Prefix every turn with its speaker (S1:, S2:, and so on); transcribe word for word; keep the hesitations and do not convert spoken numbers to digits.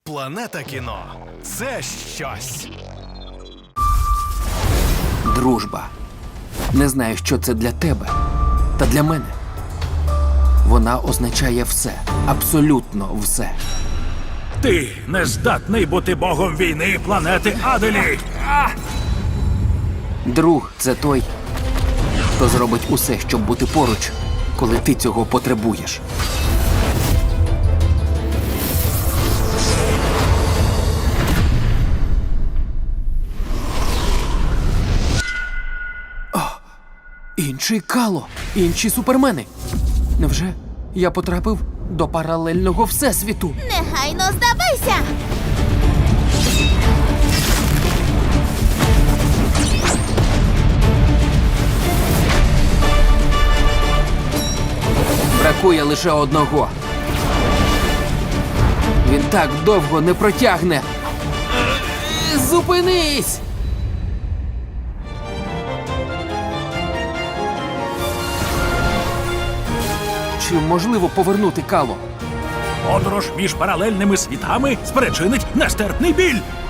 S1: Планета кіно – це щось.
S2: Дружба. Не знаю, що це для тебе, та для мене. Вона означає все, абсолютно все.
S3: Ти не здатний бути богом війни планети Аделі! А!
S2: Друг – це той, хто зробить усе, щоб бути поруч, коли ти цього потребуєш. О, інший Кало, інші супермени. Невже я потрапив до паралельного всесвіту?
S4: Негайно здавайся!
S2: Бракує лише одного. Він так довго не протягне. Зупинись! Чи можливо повернути Кало?
S3: Подорож між паралельними світами спричинить нестерпний біль!